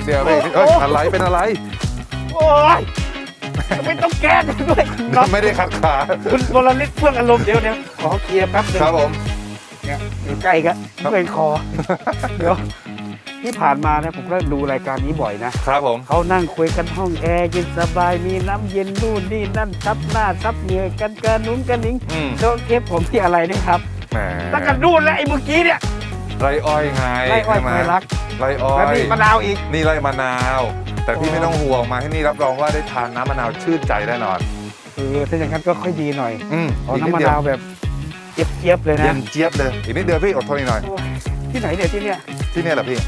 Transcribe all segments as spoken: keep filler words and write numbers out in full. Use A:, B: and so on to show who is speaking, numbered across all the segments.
A: เดียวพี่เอ้ยอะไรเป็นอะไร
B: โอ้ยไม่ต้องแก้กันด้วย
A: ไม่ได้ขัดขา
B: คุณวรฤทธิ์เพื่องอารมณ์เดี๋ยวเดี๋ยวขอเคลียร์แป๊บนึง
A: ครับผม
B: เนี่ยอยู่ใกล้กันเมื่อยคอเดี๋ยวที่ผ่านมานะผมก็ดูรายการนี้บ่อยนะครับ
A: ผม
B: เขานั่งคุยกันห้องแอร์เย็นสบายมีน้ำเย็นนู่นนี่นั่นซับหน้าซับเหงื่อกันกันนุ้งกันนิ้งโดนเทปผมที่อะไรนี่ครับตั้งกันนู่นแล้วไอ้เมื่อกี้เนี่ย
A: ไรอ้อยไง
B: ไรอ้อยไมรัก
A: ไรอ้อย
B: แล้วนี่มะนาวอีก
A: นี่ไรมะนาวแต่พี่ไม่ต้องห่วงมาที่นี่รับรองว่าได้ทานน้ำมะนาวชื่นใจแน่นอน
B: เออถ้าอย่างนั้นก็ค่อยดีหน่อย
A: อืม
B: น้ำมะนาวแบบเจี๊ยบๆเลยนะ
A: เย็นเจี๊ยบเลยอีกนิดเดียวพี่อดทนอีกหน่อย
B: ที่ไหนเนี่ยที่เนี่ย
A: ที่เนี่ยแหละพี่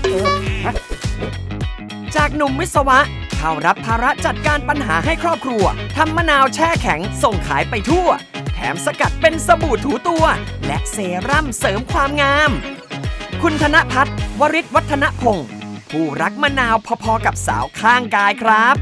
C: จากหนุ่มวิศวะเข้ารับภาระจัดการปัญหาให้ครอบครัวทำมะนาวแช่แข็งส่งขายไปทั่วแถมสกัดเป็นสบู่ถูตัวและเซรั่มเสริมความงามคุณธนพัฒน์วริศวัฒนพงศ์ผู้รักมะนาวพอๆกับสาวข้างกายครับ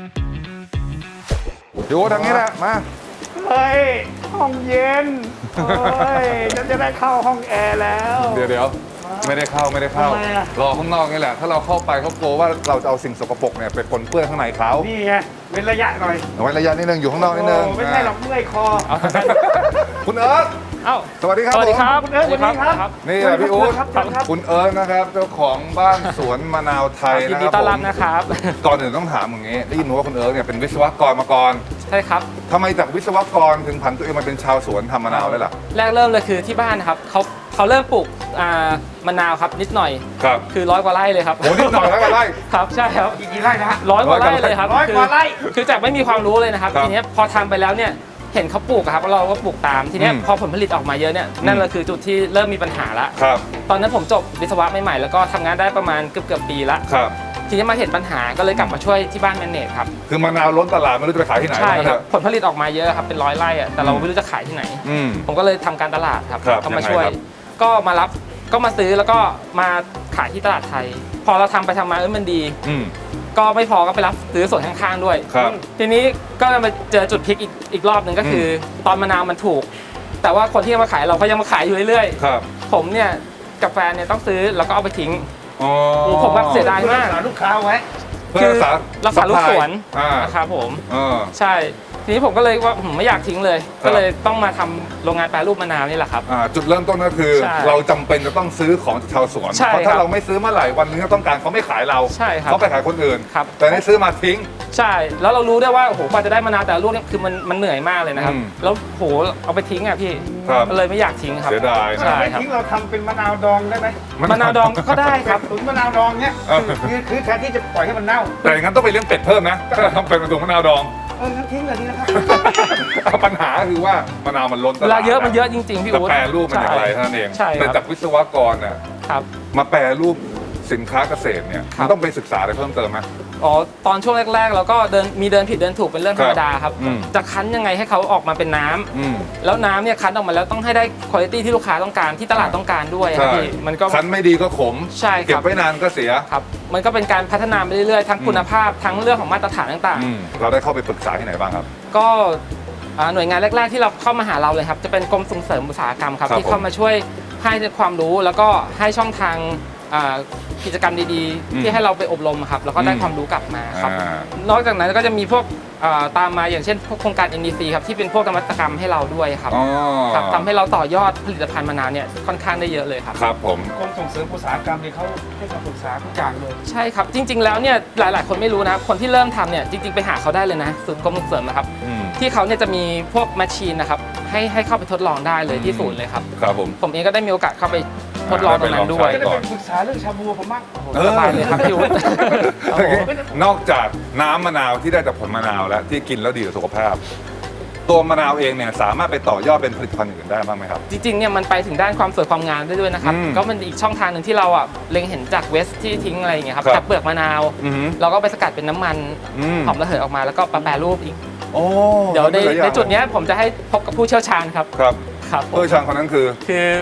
A: ดูทางนี้แหละมา
B: เฮ้ยห้องเย็นเฮ้ยฉันจะได้เข้าห้องแอร์แล้ว
A: เดี๋ยวเดี๋ยวไม่ได้เข้าไม่ได้เข้ารอข้างนอกนี่แหละถ้าเราเข้าไปเขากลัวว่าเราจะเอาสิ่งสกปรกเนี่ยไปปนเปื้อนข้างในเขา
B: นี่ไงเว้นระยะหน่อย
A: เว้นระยะนิดนึงอยู่ข้างนอกนิดนึง
B: ไม่ใช่หรอกเมื่อยคอ
A: คุณเอิร์ธ
D: เอ้า
A: สวัสดีครับ
D: สวัสดีครับ
B: คุณเอิร์ธสวัสดีครับ
A: นี่แหละพี่อุ๊ดคุณเอิร์ธนะครับเจ้าของบ้านสวนมะนาวไทย
D: นะครับยินดีต้อนรับนะครับ
A: ก่อนอื่นต้องถามอย่างนี้ได้ยินว่าคุณเอิร์ธเนี่ยเป็นวิศวกรมาก่อน
D: ใช่ครับ
A: ทำไมจากวิศวกรถึงผันตัวเองมาเป็นชาวสวนทำมะนาวได้ล่ะ
D: แรกเริ่มเลยคือที่บ้านนะครับเขาเขาเริ่มปลูกมะนาวครับนิดหน่อย
A: ครับ
D: คือร้อยกว่าไร่เลยครับ
A: โอ้นิดหน่อยร้อยกว่าไร่
D: ครับใช่ครับ
B: กี่ไร่นะ
D: ร้อยกว่าไร่เลยครับ
B: ร้อยกว่าไร่
D: คือจากไม่มีความรู้เลยนะครับทีนี้พอทำไปแล้วเนี่ยเห็นเขาปลูกครับเราก็ปลูกตามทีนี้พอผลผลิตออกมาเยอะเนี่ยนั่นแหละคือจุดที่เริ่มมีปัญหาละตอนนั้นผมจบวิศวะใหม่ๆแล้วก็ทำงานได้ประมาณเกือบเกือบปีละทีนี้มาเห็นปัญหาก็เลยกลับมาช่วยที่บ้านแมนเนจครับ
A: คือมะนาวล้นตลาดไม่รู้จะไปขายที่ไหน
D: ใช่ครับผลผลิตออกมาเยอะครับเป็นร้อยไร่แต่เราไม่รู้จะขายที่ไหนผมก็เลยทำการตลาดครับก็มาช่วยก็มารับก็มาซื้อแล้วก็มาขายที่ตลาดไทยพอเราทำไปทำมาเออมันดีก็ไม่พอก็ไปรับซื้อส่วนข้างๆด้วยทีนี้ก็มาเจอจุดพลิกอีกอีกรอบหนึ่งก็คือตอนมะนาวมันถูกแต่ว่าคนที่มาขายเราก็ยังมาขายอยู่เรื่อยๆผมเนี่ยกับแฟนเนี่ยต้องซื้อแล้วก็เอาไปทิ้งผมแบบเสียดายมาก
B: ลูกค้าไว้
D: คือรักษาลูกสวนนะครับผมใช่ทีนี้ผมก็เลยว่าผมไม่อยากทิ้งเลยก็เลยต้องมาทำโรงงานแปรรูปมะนาวนี่แหละครับ
A: จุดเริ่มต้นก็คือเราจำเป็นจะต้องซื้อของจากชาวสวนเพราะถ้าเราไม่ซื้อเมื่อไหร่วันนึงเขาต้องการเขาไม่ขายเราเขาไปขายคนอื่นแต่นี่ซื้อมาทิ้ง
D: ใช่แล้วเรารู้ได้ว่าโอ้โหกว่าจะได้มะนาวแต่ลูกเนี่ยคือมันมันเหนื่อยมากเลยนะครับแล้วโหเอาไปทิ้งอ่ะพี่ก็เลยไม่อยากทิ้งครับ
A: เสียดาย
B: ใช่ครับทิ้งเราทำเป็นมะนาวดองได้ไหม
D: มะนาวดองก็ได้ครับ
B: ตุ๋นมะนาวดองเนี่ยคือคือแทนที่จะปล่อยให้มันเน่า
A: แต่อย่างนั้นต้องไปเลี้ยงเป็ดเพิ่มนะถ้าทำเป็นตุ๋นมะนาวดอง
B: เอองั้นทิ้งเลยดีนะครับ
A: ปัญหาคือว่ามะนาวมันล้นตลาด
D: เวลาเยอะมันเยอะจริงๆพี่อุ๊ด
A: แปรรูปมันอย่างไรเท่านั้นเองแต่จากวิศวกรเนี่ยมาแปรรูปสินค้าเกษตรเนี่ยมันต้องไปศึกษาอะไรเพิ่มเติมไหม
D: อ๋อตอนช่วงแรกๆเราก็เดินมีเดินผิดเดินถูกเป็นเรื่องธรรมดาครับจะคั้นยังไงให้เขาออกมาเป็นน้ำแล้วน้ำเนี่ยคั้นออกมาแล้วต้องให้ได้คุณภาพที่ลูกค้าต้องการที่ตลาดต้องการด้วยครับพี่มันก็
A: คั้นไม่ดีก็ขม
D: ใช่ครับ
A: เก็บไว้นานก็เสีย
D: ครับมันก็เป็นการพัฒนาไปเรื่อยๆทั้งคุณภาพทั้งเรื่องของมาตรฐานต่าง
A: ๆเราได้เข้าไปปรึกษาที่ไหนบ้างครับ
D: ก็หน่วยงานแรกๆที่เราเข้ามาหาเราเลยครับจะเป็นกรมส่งเสริมอุตสาหกรรมครับที่เข้ามาช่วยให้ความรู้แล้วก็ให้ช่องทางกิจกรรมดีๆที่ให้เราไปอบรมครับแล้วก็ได้ความรู้กลับมาครับนอกจากนั้นก็จะมีพวกตามมาอย่างเช่นพวกโครงการ เอ็น ดี ซี ครับที่เป็นพวกนวัตกรรมให้เราด้วยครับครับทำให้เราต่อยอดผลิตภัณฑ์มะนาวเนี่ยค่อนข้างได้เยอะเลยครับ
A: ครับผม
B: กรมส่งเสริมอุตสาหกรรมเนี่ยเขาให้คำปรึกษาทุกอย่างเลย
D: ใช่ครับจริงๆแล้วเนี่ยหลายๆคนไม่รู้นะคนที่เริ่มทำเนี่ยจริงๆไปหาเขาได้เลยนะศูนย์กรมส่งเสริมนะครับที่เขาเนี่ยจะมีพวกแมชชีนนะครับให้ให้เข้าไปทดลองได้เลยที่ศูนย์เลยครับ
A: ครับผม
D: ผมเองก็ได้มีโอกาสเข้าไปทดลองตรงนั้นด้วย
B: จะได้ไปปรึกษาเรื่องชาบูผมบ้าง
D: สบายเลยครับพี่อุ๊ด
A: นอกจากน้ำมะนาวที่ได้จากผลมะนาวแล้วที่กินแล้วดีต่อสุขภาพตัวมะนาวเองเนี่ยสามารถไปต่อยอดเป็นผลิตภัณฑ์อื่นได้บ้างไหมครับ
D: จริงๆเนี่ยมันไปถึงด้านความสวยความงามได้ด้วยนะครับก็เป็นอีกช่องทางหนึ่งที่เราอ่ะเล็งเห็นจากเวสที่ทิ้งอะไรอย่างเงี้ยครับจากเปลือกมะนาวเราก็ไปสกัดเป็นน้ำมันหอมระเหยออกมาแล้วก็แปรรูปอีกเดี๋ยวในในจุดนี้ผมจะให้พบกับผู้เชี่ยวชาญครับ
A: ครับครับผู้เชี่ยวชาญคนนั้นคือ
D: คือ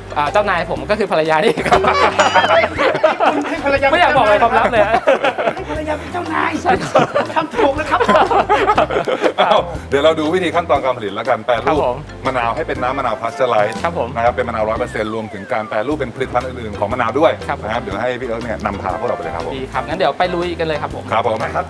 D: อ่าเจ้านายผมก็คือภรรยานี่ครับ
B: ให้ภรรยา
D: ไม่อยากบอกอะไรความลับเลย
B: ให้ภรรยาเป็นเจ้านายทำถูกแล้วครับ
A: อ้าวเดี๋ยวเราดูวิธีขั้นตอนการผลิตแล้วกันแปร
D: ครั
A: รู
D: บ
A: ป
D: ผม
A: มะนาวให้เป็นน้ำมะนาวพาสเจอร์ไลซ์
D: ครับผม
A: นะครับเป็นมะนาวร้อยเปอร์เซ็นต์รวมถึงการแปรรูปเป็นผลิตภัณฑ์อื่นๆของมะนาวด้วย
D: ครับ
A: นะครับเดี๋ยวให้พี่เอิร์ธเนี่ยนำพาพวกเราไปเลยครับผม
D: ดีครับงั้นเดี๋ยวไปลุยกันเลยครับผม
A: ครับผมครับ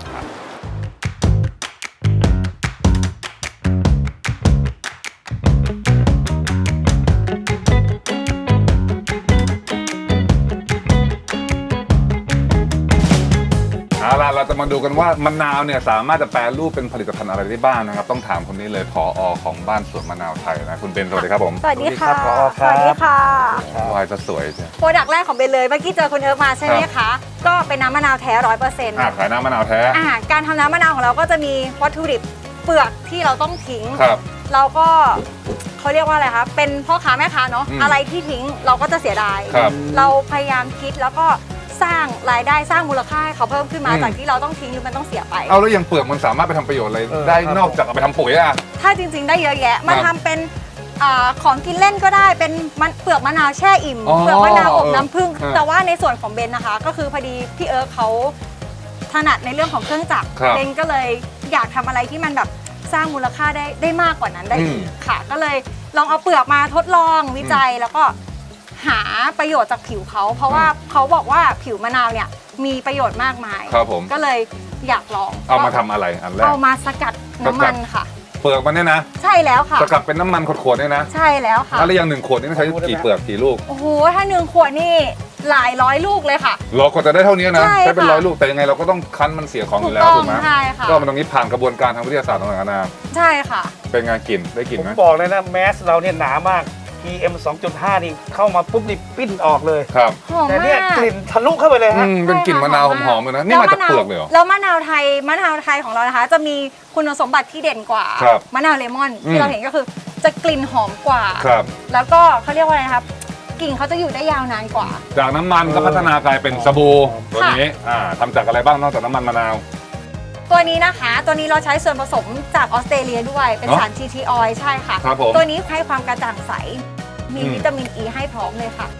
A: เอาล่ะเราจะมาดูกันว่ามะนาวเนี่ยสามารถจะแปรรูปเป็นผลิตภัณฑ์อะไรได้บ้างนะครับต้องถามคนนี้เลยผอของบ้านสวนมะนาวไทยนะคุณเบนสวัสดีครับผม
E: สวัสดีค่ะ
B: สวัสดีครับผอครับ
E: สวัสดีค่ะ
A: วายจะสวยใช่
E: โปรดักต์แรกของเบนเลย เมื่อกี้เจอคุณเอิร์กมาใช่ไหมคะ ก็เป็นน้ำมะนาวแท้ร้อยเปอร์เซ็นต์
A: อ่ะขายน้ำมะนาวแท้
E: อ่าการทำน้ำมะนาวของเราก็จะมีวัตถุดิบเปลือกที่เราต้องทิ้ง
A: ครับ
E: เราก็เขาเรียกว่าอะไรคะ เป็นพ่อค้าแม่ค้าเนาะ
A: อืม
E: อะไรที่ทิ้งเราก็จะเสียดาย
A: ครับ
E: เราพยายามคิดแล้วก็สร้างรายได้สร้างมูลค่าให้เขาเพิ่มขึ้นมา
A: อืม
E: จากที่เราต้องทิ้งหรือมันต้องเสียไป
A: เอาแล้วอย่างเปลือกมันสามารถไปทำประโยชน์อะไร
B: เออ
A: ได้
B: ครับ
A: นอกจากเอาไปทำปุ๋ยอ่ะ
E: ถ้าจริง ๆ ได้เยอะแยะ มา
A: ครับ
E: ทำเป็นอาของกินเล่นก็ได้ เป็นมันเปลือกมะนาวแช่อิ่ม
A: อ๋อ
E: เปลือกมะนาวอบน้ำผึ้ง
A: เออ
E: แต่ว่าในส่วนของเบนนะคะ ก็คือพอดีพี่เอิร์กเขาถนัดในเรื่องของเครื่องจักร
A: ครับ
E: เบนก็เลยอยากทำอะไรที่มันแบบสร้างมูลค่าได้ได้มากกว่านั้นได้
A: อืม
E: อีกค่ะ ก็เลยลองเอาเปลือกมาทดลองวิจัยแล้วก็หาประโยชน์จากผิวเขา เพราะว่าเขาบอกว่าผิวมะนาวเนี่ยมีประโยชน์มากมาย
A: ครับผม
E: ก็เลยอยากลอง
A: เอามาทำอะไรอันแรก
E: เอามาสกัดน้ำมันค่ะ
A: เปลือกมันเนี่ยนะ
E: ใช่แล้วค่ะ
A: สกัดเป็นน้ำมันขวดๆเนี่ยนะ
E: ใช่แล้วค่ะ
A: แล้วอย่างหนึ่งขวดนี่ต้องใช้กี่เปลือกกี่ลูก
E: โอ้โห ถ้าหนึ่งขวดนี่หลายร้อยลูกเลยค่ะ
A: เราก็จะได้เท่านี้นะ
E: ใช่
A: ใช้เป็น
E: ค่ะ
A: ร้อยลูกแต่ยังไงเราก็ต้องคั้นมันเสียของอยู่แล้ว
E: ถูกต้อง
A: ถูกไหม
E: ใช่ค่ะ
A: ก็มันตรงนี้ผ่านกระบวนการทางวิทยาศาสตร์ต่างๆนานา
E: ใช่ค่ะ
A: เป็นไงกลิ่นได้กลิ่น
B: ผม
A: ไหม
B: บอกเลยนะแมสเราเนี่ยหนามาก พี เอ็ม สองจุดห้า นี่เข้ามาปุ๊บนี่ปิ้นออกเลย
A: ครับ
E: หอม
B: แต่
E: มา
B: เนี่ย
E: ก
B: กลิ่นทะลุเข้าไปเลย
A: อื
B: ฮะ
A: มเป็นกลิ่นมะนาวหอมๆเลยนะนี่มาจากเปลือกเลยเหรอ
E: แล้วมะนาวไทยมะนาวไทยของเรานะคะ จะมีคุณสมบัติที่เด่นกว่า
A: ครับ
E: มะนาวเลมอน
A: อืม
E: ที่เราเห็นก็คือจะกลิ่นหอมกว่า
A: ครับ
E: แล้วก็เขาเรียกว่าอะไรนะครับกลิ่นเขาจะอยู่ได้ยาวนานกว่า
A: จากน้ำมันก็พัฒนากลายเป็นสบู่ตัวนี้อ่าทำจากอะไรบ้างนอกจากน้ำมันมะนาว
E: ตัวนี้นะคะ ตัวนี้เราใช้ส่วนผสมจากออสเตรเลียด้วย เป็น
A: เนอะ
E: สาร ที ที oil ใช่ค่ะ
A: ครับผม
E: ตัวนี้ให้ความกระจ่างใส มี
A: อืม
E: วิตามินอ e ีให้พร้อมเลยค่ะ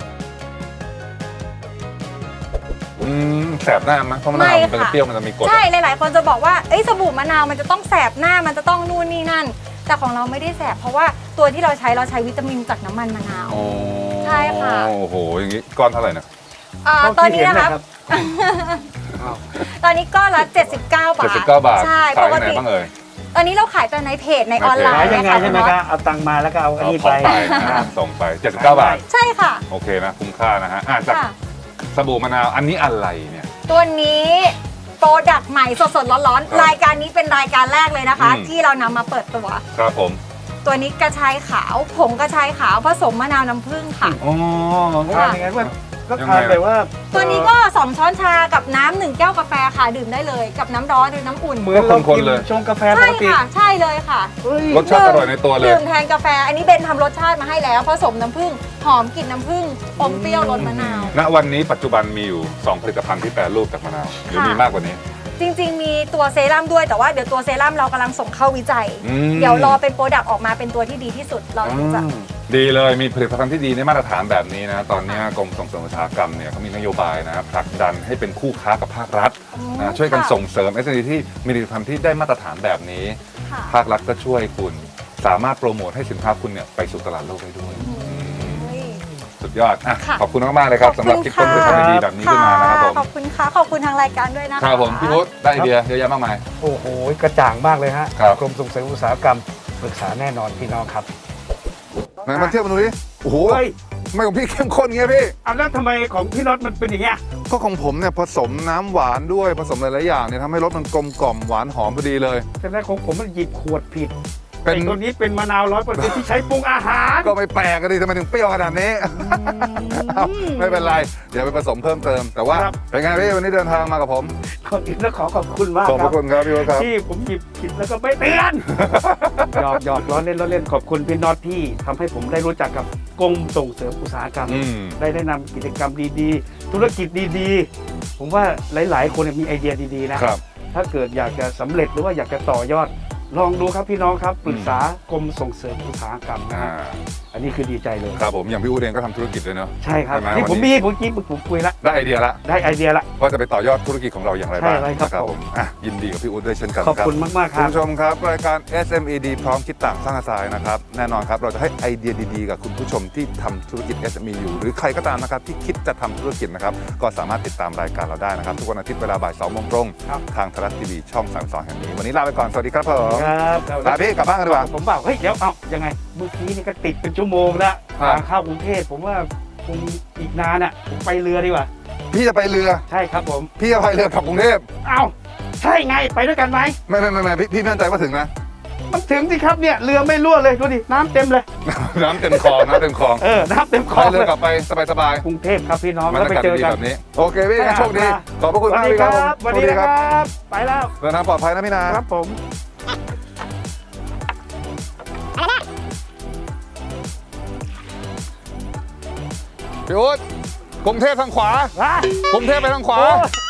A: อืมแสบหน้าไหมเพราะมะนาวมันเป็น
E: ไม่ค่ะ
A: เปรี้ยวมันจะมีกรด
E: ใช่ หลาย ๆ คนจะบอกว่าเอ้ยสบู่มะนาวมันจะต้องแสบหน้า มันจะต้องนู่นนี่นั่น แต่ของเราไม่ได้แสบ เพราะว่าตัวที่เราใช้เราใช้วิตามินจากน้ำมันมะนาว
A: โอ้
E: ใช่ค่ะ
A: โอ้โหอย่างนี้ก้อนเท่าไหร่นะ
E: อ่า
B: เท่า
E: ตอน
B: ที่
E: นี้
B: เห็น
E: นะคะ
B: นะครับ
E: ตอนนี้ก้อนละเจ็ดสิบเก้าบาท
A: เจ็ดสิบเก้าบาท
E: ใช่
A: ขา
E: ป
A: ย
E: ก
A: ที่ไหน
E: ติ
A: บ้างเอ่ย
E: ตอนนี้เราขายแต่ในเพจในออนไล
B: ขาย
E: น์
B: ยังไง
E: ค่ะ
B: ใช่ไหมครับเอาตังค์มาแล้วก็เอาอัน
A: เอา
B: นี้
A: ขอ
B: ไป
A: งไปนะส่งไปเจ็ดสิบเก้าบาท
E: ใช่ค่ะ
A: โอเคนะคุ้มค่านะฮะอ่ะจาก
E: ค่ะ
A: สบู่มะนาวอันนี้อะไรเนี่ย
E: ตัวนี้โปรดักต์ใหม่สด ๆ ร้อน
A: ครับ
E: ๆ รายการนี้เป็นรายการแรกเลยนะคะ
A: อืม
E: ที่เรานำมาเปิดตัว
A: ครับผม
E: ตัวนี้กระชายขาว ผงกระชายขาวผสมมะนาวน้ำผึ้งค่ะ
A: อ๋อ
B: ทานยังไงว่าก็
A: ยัง
B: ทาน
A: ไง
B: แบบว่า
E: ตัวนี้ก็สองช้อนชากับน้ำหนึ่งแก้วกาแฟค่ะดื่มได้เลยกับน้ำร้อนหรือน้ำอุ่น
B: เหมือนเรากินชงกาแฟป
E: ใช่
B: กติ
E: ค่ะ ใช่เลยค่ะ
B: เฮ้ย
A: รสชาติอร่อยในตัวเลย
E: ดื่มแทนกาแฟ อันนี้เบนทำรสชาติมาให้แล้วผสมน้ำผึ้งหอมกลิ่นน้ำผึ้งอมเปรี้ยวรสมะนาว
A: ณวันนี้ปัจจุบันมีอยู่สองผลิตภัณฑ์ที่แปรรูปจากมะนาวหรือ
E: ค่ะ
A: มีมากกว่านี้
E: จริง ๆ มีตัวเซรั่มด้วยแต่ว่าเดี๋ยวตัวเซรั่มเรากำลังส่งเข้าวิจัย
A: อืม
E: เดี๋ยวรอเป็นโปรดักต์ออกมาเป็นตัวที่ดีที่สุดเราถึงจะ
A: ดีเลยมีผลิตภัณฑ์ที่ดีในมาตรฐานแบบนี้นะตอนนี้กรมส่งเสริมอุตสาหกรรมเนี่ยเขามีนโยบายนะครับผลักดันให้เป็นคู่ค้ากับภาครัฐ
E: อืม
A: นะช่วยกัน
E: ค่ะ
A: ส่งเสริม เอส เอ็ม อี ที่มีผลิตภัณฑ์ที่ได้มาตรฐานแบบนี้
E: ค่ะ
A: ภาครัฐก็ช่วยคุณ สามารถโปรโมทให้สินค้าคุณเนี่ยไปสู่ตลาดโลกได้ด้วย
E: เฮ้ย
A: สุดยอดอ่ะ
E: ค่ะ
A: ขอบคุณมากๆเลยครับสำหรับคิดค้นผลิตภัณฑ์ดีๆแบบนี้ขึ้นมานะครับผม
E: ขอบคุณค่ะ ขอบคุณทางรายการด้วยนะคะ
A: ครับผมพี่พุทธได้ไอเดียเยอะแยะมากมาย
B: โอ้โหกระจ่างมากเลยฮะ
A: ครับ
B: กรมส่งเสริมอุตสาหกรรมปรึกษาแน่นอนพี่น้องครับ
A: ไหนมาเทียบมาดูดิโอ้โห
B: เฮ้ย
A: ทำไม่ของพี่เข้มข้นเงี้ยพี่
B: เอาแล้วทำไมของพี่น็อตมันเป็นอย่างเงี้ย
A: ก็ของผมเนี่ยผสมน้ำหวานด้วยผสมหลายๆอย่างเนี่ยทำให้รสมันกลมกล่อมหวานหอมพอดีเลย
B: แต่แรกของผมมันหยิบขวดผิด
A: เป็น
B: ไอ้ตัวนี้เป็นมะนาวร้อยเปอร์เซ็นต์ที่ใช้ปรุงอาหาร
A: ก็ไม่แปลกกันดิทำไมถึงเปรี้ยวขนาดนี้เอ้าไม่เป็นไร เดี๋ยวไปผสมเพิ่มเติม แต่ว่า
B: ครับ
A: เป็นไงพี่วันนี้เดินทางมากับผม
B: ขอบคุณและขอขอบคุณมาก
A: ขอบพ
B: ครั
A: ระ
B: บ
A: คุณครับพี่วครับ
B: ที่ผมหยิบผิดแล้วก็ไม่เตือน หยอกหยอกล้อเล่นล้อเล่นขอบคุณพี่น็อตที่ทำให้ผมได้รู้จักกับกรมส่งเสริมอุตสาหกรรม
A: อืม
B: ได้แนะนำกิจกรรมดีๆ ธุรกิจดีๆ ผมว่าหลายๆ คนมีไอเดียดีๆนะครับ ถ้าเกิดอยากจะสำเร็จหรือว่าอยากจะต่อยอดลองดูครับพี่น้องครับปรึกษากรมส่งเสริมอุตสาหกรรมนะ
A: อ่า
B: ฮะอันนี้คือดีใจเลย
A: ครับผมอย่างพี่อู๊ดเองก็ทำธุรกิจด้วยเนาะ
B: ใช่ครับ
A: ใช่ไหม
B: ที่
A: วัน
B: ผม
A: นี้
B: มีผมกี้ผมคุยละ
A: ได้ไอเดียละ
B: ได้ไอเดียละ
A: ว่าจะไปต่อยอดธุรกิจของเราอย่างไรบ้าง
B: ใช่เลยครับ
A: นะ
B: ผม
A: อ่ะยินดีกับพี่อู๊ดด้วยเช่นกัน
B: ขอบ
A: ครับ
B: คุณมากๆค
A: คุ
B: รั
A: ณ
B: บ
A: ผู้ชมครับรายการ เอส เอ็ม อี ดี พร้อมคิดต่างสร้างอาชีพนะครับแน่นอนครับเราจะให้ไอเดียดีๆกับคุณผู้ชมที่ทำธุรกิจ เอส เอ็ม อี อยู่หรือใครก็ตามนะครับที่คิดจะทำธุรกิจนะครับก็สามารถติดตามรายการเราได้นะครับทุกวันอาทิตย์เวลาบ่ายสองโมงตรง
B: ครับ
A: ทางไทยรัฐทีวีช่องสามสิบสองแห่งนี้วันนี้ลาไปก่อนสวัสดีครับผม
B: ครับ
A: ลาพี่กลับบ้านกันดีกว่า
B: ผมบอกเฮ้ยเดี๋ยวเอายังไงเมื่อกี้นี่ก็ติดเป็นชั่วโมงแล้ว
A: ครับ
B: ทางเข้ากรุงเทพผมว่าคงอีกนานอ่ะผมไปเรือดีกว่า
A: พี่จะไปเรือ
B: ใช่ครับผม
A: พี่จะไปเรือกลับกรุงเทพ
B: เอ้าใช่ไงไปด้วยกันไหม
A: ไม่ไม่ไม่ไม่พี่พี่มั่นใจว่าถึงนะ
B: มันถึงสิครับเนี่ยเรือไม่รั่วเลยดูดิน้ำเต็มเลย
A: น้ำเต็มคลองน้ำเต็มคลอง
B: เออน้ำเต็มคล
A: ไป
B: อง
A: เรื
B: เล
A: อย กลับไปสบายๆ
B: กรุงเทพครับพี่น้อง
A: บร
B: แล้ว
A: ร
B: ไป
A: ยากาศ
B: เจอ
A: ดี
B: กัน
A: แบบนี้โอเคพี่
B: ไปหา
A: โชคดี
B: ปลา
A: ขอบพระคุณ
B: สวั
A: มา
B: ส
A: ก
B: ดี
A: พี่
B: ค
A: ค
B: รั
A: รับบ
B: สวัสดีนะครับ ไปแล้ว
A: เดินทางปลอดภัยนะพี่นา
B: ครับผม
A: พี่อุ๊ดกรุงเทพทางขวา
B: ฮะ
A: กรุงเทพไปทางขวา
B: โอ้